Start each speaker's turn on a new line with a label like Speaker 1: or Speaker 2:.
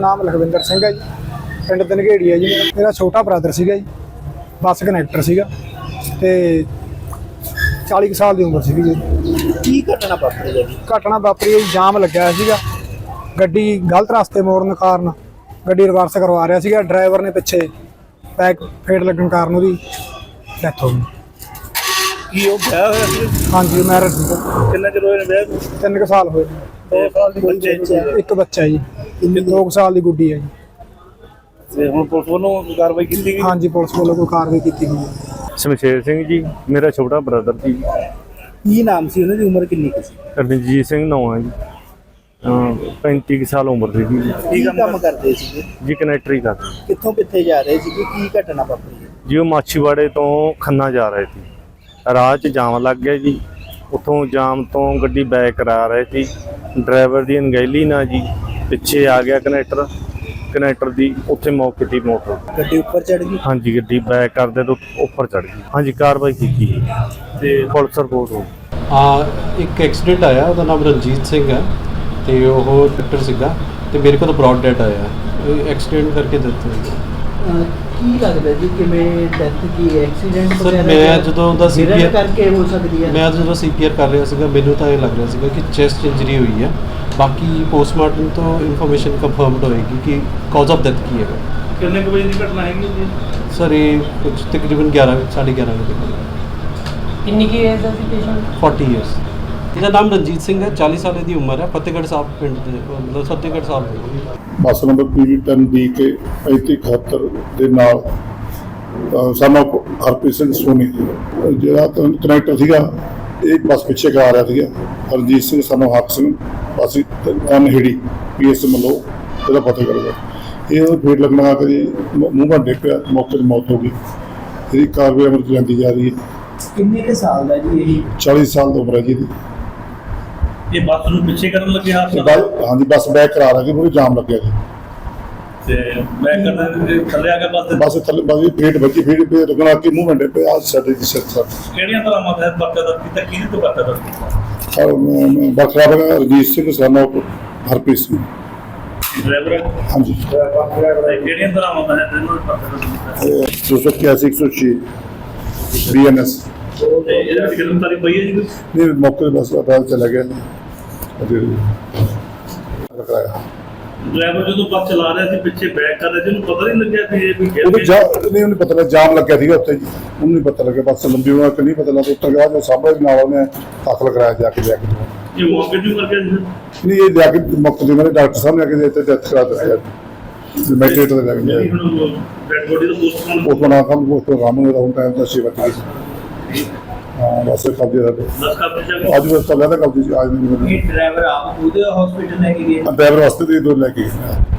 Speaker 1: नाम लखविंदर सिंह है जी, पिंड धनगेड़ी है जी। मेरा छोटा ब्रदर सीगा जी, बस कनैक्टर सीगा ते 40 साल की उम्र सीगी जी।
Speaker 2: की घटना वापरी है जी?
Speaker 1: घटना वापरी है जी, जाम लग्या होया सीगा, गड्डी गलत रास्ते मोड़न कारण गड्डी रिवर्स करवा रहा सीगा, ड्राइवर ने पिछे बैक फेट लगन कारण उसदी डेथ हो गई।
Speaker 2: की वो ब्याह होया सी?
Speaker 1: हाँ जी, मैरिज सीगा।
Speaker 2: कितना चिर होया ब्याह नूं?
Speaker 1: 3 साल होए।
Speaker 2: 2 साल दी बच्चे
Speaker 1: एक बच्चा जी, 2 साल की गुड्डी है जी।
Speaker 2: ਤੇ ਹੁਣ ਪੁਲਿਸ ਵੱਲੋਂ ਕਾਰਵਾਈ ਕੀਤੀ ਗਈ?
Speaker 1: हाँ जी, पुलिस वालों को कार्रवाई की गई है।
Speaker 3: ਸ਼ਮਸ਼ੇਰ ਸਿੰਘ ਜੀ ਮੇਰਾ ਛੋਟਾ ਬ੍ਰਦਰ ਜੀ।
Speaker 2: ਕੀ ਨਾਮ ਸੀ ਉਹਨਾਂ ਦੀ? ਉਮਰ ਕਿੰਨੀ ਕੁ ਸੀ?
Speaker 3: ਰਣਜੀਤ ਸਿੰਘ ਨਾਂ ਹੈ ਜੀ। 35 ਕੁ ਸਾਲ ਉਮਰ ਸੀ ਜੀ।
Speaker 2: ਕੀ ਕੰਮ ਕਰਦੇ ਸੀਗੇ?
Speaker 3: ਜੀ ਕਨੈਕਟਰੀ ਕਰਦੇ
Speaker 2: ਕਿੱਥੋਂ ਕਿੱਥੇ ਜਾ ਰਹੇ ਸੀਗੇ? ਕੀ ਘਟਨਾ ਵਾਪਰੀ ਹੈ?
Speaker 3: ਜੀ। ਉਹ ਮਾਛੀਵਾੜੇ ਤੋਂ ਖੰਨਾ ਜਾ ਰਹੇ ਸੀ, ਰਾਹ 'ਚ ਜਾਮ ਲੱਗ ਗਿਆ ਜੀ। ਉੱਥੋਂ ਜਾਮ ਤੋਂ ਗੱਡੀ ਬੈਕ ਕਰਾ ਰਹੇ ਸੀ, ਡਰਾਈਵਰ ਦੀ ਅਣਗਹਿਲੀ ਨਾਲ ਜੀ ਪਿੱਛੇ ਆ ਗਿਆ ਕਨੈਕਟਰ ਦੀ, ਉੱਥੇ ਮੌਕੇ ਤੇ ਮੌਤ ਹੋ ਗਈ।
Speaker 2: ਗੱਡੀ ਉੱਪਰ ਚੜ ਗਈ?
Speaker 3: ਹਾਂਜੀ, ਗੱਡੀ ਬੈਕ ਕਰਦੇ ਤੋਂ ਉੱਪਰ ਚੜ ਗਈ। ਹਾਂਜੀ, ਕਾਰਵਾਈ ਕੀਤੀ ਜੀ ਤੇ ਪੁਲਿਸ ਰਿਪੋਰਟ ਹੋ ਗਈ।
Speaker 4: ਇੱਕ ਐਕਸੀਡੈਂਟ ਆਇਆ, ਉਹਦਾ ਨਾਮ ਰਣਜੀਤ ਸਿੰਘ ਹੈ ਤੇ ਉਹ ਡਾਕਟਰ ਸੀਗਾ ਤੇ ਮੇਰੇ ਕੋਲ ਬ੍ਰੌਡ ਡੈਡ ਆਇਆ। ਐਕਸੀਡੈਂਟ ਕਰਕੇ ਦਿੱਤਾ
Speaker 5: ਕੀ ਲੱਗਦਾ ਜੀ ਕਿਵੇਂ ਡੈਥ ਕੀ ਐਕਸੀਡੈਂਟ
Speaker 4: ਸਰ ਮੈਂ ਜਦੋਂ ਉਹਦਾ ਸੀਪੀਆਰ
Speaker 5: ਕਰਕੇ ਹੋ ਸਕਦੀ ਹੈ?
Speaker 4: ਮੈਂ ਜਦੋਂ ਸੀਪੀਆਰ ਕਰ ਰਿਹਾ ਸੀਗਾ ਮੈਨੂੰ ਤਾਂ ਇਹ ਲੱਗ ਰਿਹਾ ਸੀਗਾ ਕਿ ਚੈਸਟ ਇੰਜਰੀ ਹੋਈ ਹੈ। ਬਾਕੀ ਪੋਸਟਮਾਰਟਮ ਤੋਂ ਇਨਫੋਰਮੇਸ਼ਨ ਕੰਫਰਮਡ ਹੋਏਗੀ ਕਿ ਕਾਜ਼ ਆਫ ਡੈਥ ਕੀ ਹੈਗਾ।
Speaker 2: ਕਿੰਨੇ ਕੁ ਵਜੇ ਦੀ ਘਟਨਾ ਹੈਗੀ ਜੀ?
Speaker 4: ਸਰ ਇਹ ਕੁਝ ਤਕਰੀਬਨ 11:30 ਵਜੇ।
Speaker 5: ਕਿੰਨੀ ਕੀ ਏਜ ਦਾ ਸੀ ਪੇਸ਼ੈਂਟ?
Speaker 4: 40 ਇਅਰਸ। ਇਹਦਾ ਨਾਮ ਰਣਜੀਤ ਸਿੰਘ ਹੈ, 40 ਸਾਲ ਦੀ ਉਮਰ ਹੈ, ਫਤਿਹਗੜ੍ਹ ਸਾਹਿਬ ਪਿੰਡ ਦੇ, ਮਤਲਬ ਫਤਿਹਗੜ੍ਹ ਸਾਹਿਬ ਦੇ।
Speaker 6: ਬੱਸ ਨੰਬਰ PV10DK 3571 ਦੇ ਨਾਲ ਸਾਨੂੰ ਹਰਪ੍ਰੀਤ ਸਿੰਘ ਸੋਨੀ ਜਿਹੜਾ ਕਨੈਕਟਰ ਸੀਗਾ, ਇਹ ਬੱਸ ਪਿੱਛੇ ਕਰਾ ਰਿਹਾ ਸੀਗਾ। ਹਰਜੀਤ ਸਿੰਘ ਸਾਨੂੰ ਹੱਕ ਸਿੰਘ ਬੱਸ ਅਨਹੇੜੀ PS ਮੱਲੋ ਇਹਦਾ ਫਤਿਹਗੜ੍ਹ ਦਾ, ਇਹ ਫੇਟ ਲੱਗਣ ਆ ਕੇ ਮੂੰਹ ਭੰਡੇ ਪਿਆ, ਮੌਕੇ ਤੇ ਮੌਤ ਹੋ ਗਈ। ਇਹਦੀ ਕਾਰਵਾਈ ਅਮਲ 'ਚ ਲਿਆਂਦੀ ਜਾ ਰਹੀ ਹੈ।
Speaker 5: ਕਿੰਨੇ ਕੁ ਸਾਲ ਦਾ ਜੀ ਇਹ?
Speaker 6: 40 ਸਾਲ ਦੀ ਉਮਰ ਹੈ ਜੀ ਇਹਦੀ।
Speaker 2: ਇਹ ਬੱਸ ਨੂੰ ਪਿੱਛੇ ਕਰਨ ਲੱਗੇ
Speaker 6: ਹਾਂਜੀ, ਬੱਸ ਬੈਕ ਕਰਾ ਲਾਂਗੇ, ਪੂਰੀ ਜਾਮ ਲੱਗਿਆ ਜੀ
Speaker 2: ਤੇ ਮੈਂ ਕਰਦੇ ਥੱਲੇ ਆ ਕੇ
Speaker 6: ਬੱਸ ਥੱਲੇ ਬੱਸ ਫੇਟ ਵੱਜੀ, ਫੇਟ ਪੇ ਲੱਗਣਾ ਕਿ ਮੂੰਹ ਭੰਡੇ ਪਿਆ ਸਾਡੇ ਦੀ ਸਿਰ ਸਰ।
Speaker 2: ਕਿਹੜੀਆਂ ਤਰ੍ਹਾਂ ਮਤਲਬ ਬੱਚਾ ਦਾ ਕੀਤਾ ਕਿਹਦੇ ਤੋਂ ਬੱਚਾ ਦਾ
Speaker 6: ਬਖਰਾ ਬਗਾ ਰਜੀਤ ਸਿੰਘ ਸਾਨੂੰ ਹਰਪ੍ਰੀਤ ਸਿੰਘ
Speaker 2: ਡਰਾਈਵਰ?
Speaker 6: ਹਾਂਜੀ।
Speaker 2: ਕਿਹੜੀਆਂ ਤਰ੍ਹਾਂ ਮਤਲਬ ਹੈ ਤੈਨੂੰ ਪਤਾ?
Speaker 6: 281 106 BNS
Speaker 2: ਤੇ ਇਹਦੇ ਵਿੱਚ ਗ੍ਰਿਫਤਾਰੀ ਪਈ ਹੈ ਜੀ?
Speaker 6: ਨਹੀਂ, ਮੌਕੇ ਤੇ ਬੱਸ ਅਦਾਲਤ ਚਲਾ ਗਿਆ ਕਰਾਇਆ।
Speaker 2: ਡਰਾਈਵਰ ਜਦੋਂ ਬੱਸ ਚਲਾ ਰਿਹਾ ਸੀ ਪਿੱਛੇ ਬੈਕ ਕਰ ਰਿਹਾ ਸੀ, ਉਹਨੂੰ ਪਤਾ ਨਹੀਂ ਲੱਗਿਆ ਕਿ ਇਹ ਵੀ
Speaker 6: ਨਹੀਂ, ਉਹਨੂੰ ਪਤਾ ਲੱਗਾ ਜਾਮ ਲੱਗਿਆ ਸੀਗਾ ਉੱਥੇ ਜੀ, ਉਹਨੂੰ ਨਹੀਂ ਪਤਾ ਲੱਗਿਆ ਬੱਸ ਲੰਬੀ ਹੋਣਾ ਕਿ ਨਹੀਂ ਪਤਾ ਲੱਗਾ। ਉੱਤਰ ਗਿਆ ਜੋ ਸਾਹਮਣੇ ਨਾਲ ਉਹਨੇ ਦਾਖਲ ਕਰਾਇਆ ਜਾ ਕੇ
Speaker 2: ਇਹ ਮੌਕੇ ਤੇ ਕਰ ਗਿਆ ਸੀ?
Speaker 6: ਨਹੀਂ, ਇਹ ਜਾ ਕੇ ਮੌਕੇ ਤੇ ਮੇਰੇ ਡਾਕਟਰ ਸਾਹਿਬ ਨੇ ਆ ਕੇ ਇੱਥੇ ਡੈਥ ਕਰਾ ਦਿੱਤੀ ਮੈਟਰੇਟ ਤੇ ਲੱਗ ਗਿਆ।
Speaker 2: ਡੈਡ ਬੋਡੀ ਦਾ ਪੋਸਟਮਾਰਟਮ
Speaker 6: ਉਸ ਬਣਾ ਕੰਮ ਉਸ ਤੋਂ ਰਾਮ ਨੂੰ ਰਾਉਂ ਟਾਈਮ ਦਾ ਸੇਵਾ ਕੀਤੀ। ਹਾਂ, ਬਸ ਕਬਜ਼ੇ ਦਾ
Speaker 2: ਦੱਸ ਕਰ
Speaker 6: ਅੱਜ ਬਸ ਚੱਲਿਆ ਤਾਂ ਕਬਜ਼ੇ ਅੱਜ ਨਹੀਂ।
Speaker 5: ਡਰਾਈਵਰ ਆਪ ਉਹਦੇ ਹਸਪੀਟਲ ਲੈ ਕੇ ਗਏ?
Speaker 6: ਡਰਾਈਵਰ ਵਾਸਤੇ ਦੇ ਦੋ ਲੈ ਕੇ